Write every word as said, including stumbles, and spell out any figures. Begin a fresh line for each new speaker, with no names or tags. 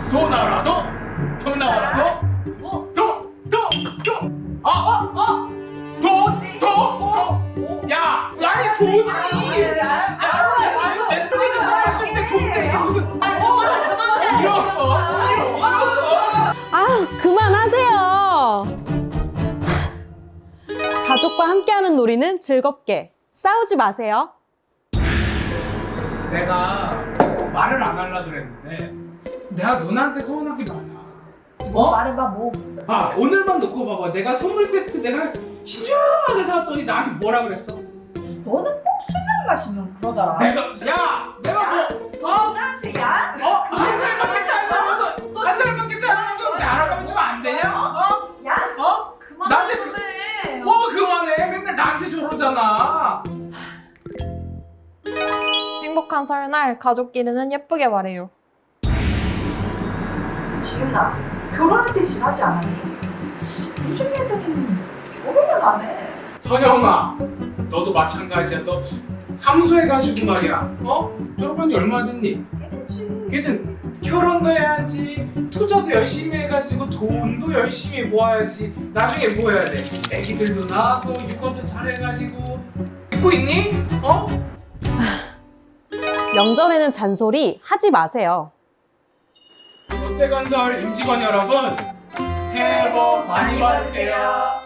도 나와라도 도 나와라도
뭐?
도도도 아!
어? 어?
도! 도! 도! 야! 아니 도지! 야! 넷플릭스 봤을 때 돈데 이게 무슨 잃었어! 잃었어!
아, 그만하세요. 가족과 함께하는 놀이는 즐겁게. 싸우지 마세요.
내가 말을 안 하려 그랬는데 내가 누나한테 서운한 게 많아.
뭐 말해봐 뭐.
아 오늘만 놓고 봐봐. 내가 선물 세트 내가 신중하게 사왔더니 나한테 뭐라 그랬어?
너는 꼭 술만 마시면 그러더라.
내가 야 내가 뭐 어?
나한테 야?
어? 한 살밖에 차이 나면서 한 살밖에 차이 나면서 내 알아가면 좀 안 되냐? 어?
야?
어?
그만
나한테
그래.
뭐 그만해. 맨날 나한테 저러잖아.
행복한 설날 가족끼리는 예쁘게 말해요.
지윤아, 결혼할 때 지나지 않았니? 요즘 애들은 결혼을 안 해.
선영아 너도 마찬가지야. 너 삼수해가지고 말이야. 어? 졸업한 지 얼마 됐니?
깨끗이.
걔는 결혼도 해야지, 투자도 열심히 해가지고 돈도 열심히 모아야지. 나중에 뭐 해야 돼? 애기들도 낳아서 육아도 잘해가지고. 듣고 있니? 어?
명절에는 잔소리 하지 마세요.
롯데건설 임직원 여러분 새해 복 많이 받으세요.